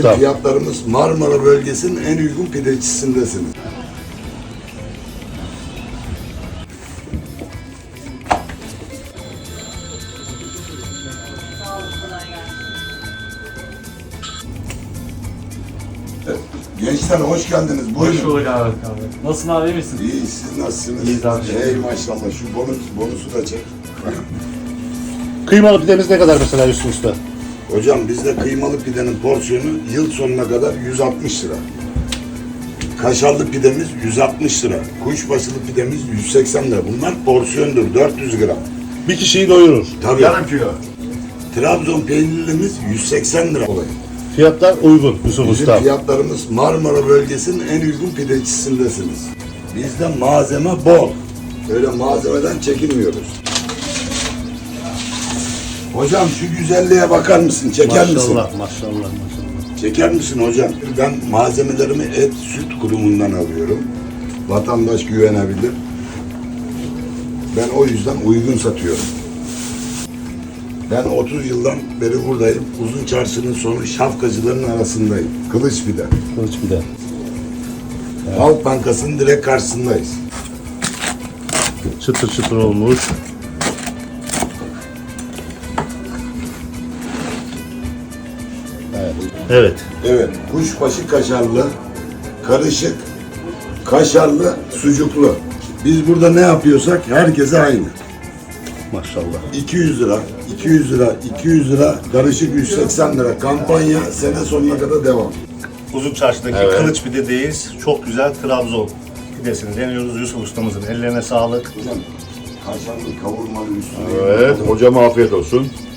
Tamam. Fiyatlarımız Marmara bölgesinin en uygun pideçisindesiniz. Evet. Gençler hoş geldiniz. Buyurun. Hoş bulduk abi. Nasılsın abi, iyi misin? İyi, siz nasılsınız? İyiyiz abi. Hey maşallah, şu bonusu da çek. Kıymalı pidemiz ne kadar mesela Hüsnü Usta? Hocam bizde kıymalı pidenin porsiyonu yıl sonuna kadar 160 lira. Kaşarlı pidemiz 160 lira. Kuşbaşılı pidemiz 180 lira. Bunlar porsiyondur, 400 gram. Bir kişiyi doyurur. Tabii. Yarım kilo. Trabzon peynirlimiz 180 lira. Fiyatlar uygun Yusuf Bizim Usta. fiyatlarımız Marmara bölgesinin en uygun pideçisindesiniz. Bizde malzeme bol. Öyle malzemeden çekinmiyoruz. Hocam şu güzelliğe bakar mısın? Çeker misin? Maşallah. Çeker misin hocam? Ben malzemelerimi et süt kurumundan alıyorum. Vatandaş güvenebilir. Ben o yüzden uygun satıyorum. Ben 30 yıldan beri buradayım. Uzun Çarşı'nın sonu şapkacıların arasındayım. Kılıç pide. Kılıç pide. Halk Bankası'nın direkt karşısındayız. Çıtır çıtır olmuş. Evet. Evet, kuşbaşı kaşarlı, karışık, kaşarlı, sucuklu. Biz burada ne yapıyorsak herkese aynı. Maşallah. 200 lira, 200 lira, 200 lira, karışık 180 lira. Kampanya sene sonuna kadar devam. Uzun Çarşı'daki Evet. Kılıç Pide'deyiz. Çok güzel Trabzon pidesini deniyoruz Yusuf ustamızın. Ellerine sağlık. Hocam, kaşarlı, kavurmalı üstüne. Evet. Hocam afiyet olsun.